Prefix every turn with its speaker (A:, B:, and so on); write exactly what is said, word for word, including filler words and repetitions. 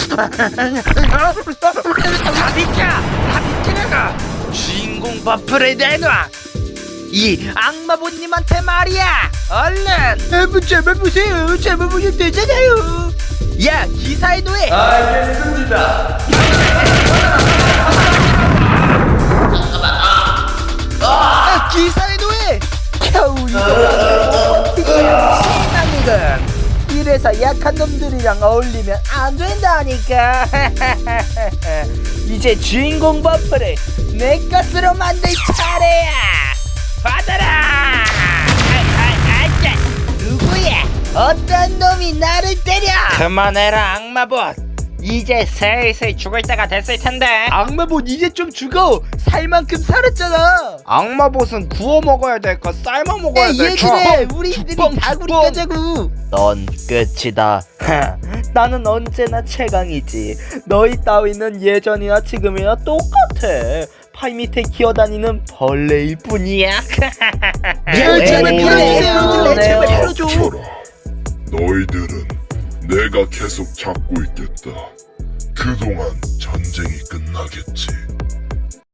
A: 다 비켜! 다 비키라고! 주인공 버프를 내놔! 이 악마보님한테 말이야! 얼른! 제발 보세요! 제발 보면 되잖아요! 야! 기사의 노예!
B: 알겠습니다.
A: 아, 기사의 노예! 겨우 이거 신나니건 이래서 약한 놈들이랑 어울리면 안 된다니까. 이제 주인공 버프를 내 것으로 만들 차례야. 받아라. 누구야? 어떤 놈이 나를 때려? 그만해라 악마봇. 이제 슬슬 죽을 때가 됐을 텐데. 악마봇 이제 좀 죽어. 살 만큼 살았잖아. 악마봇은 구워 먹어야 될까 삶아 먹어야 될까? 얘들아 우리들이 다구리 까자고. 넌 끝이다. 나는 언제나 최강이지. 너희 따위는 예전이나 지금이나 똑같아. 팔 밑에 기어다니는 벌레일 뿐이야.
C: 야, 제발
A: 밀어주세요. 제발 밀어줘.
C: 닥쳐라. 너희들은 내가 계속 잡고 있겠다. 그동안 전쟁이 끝나겠지.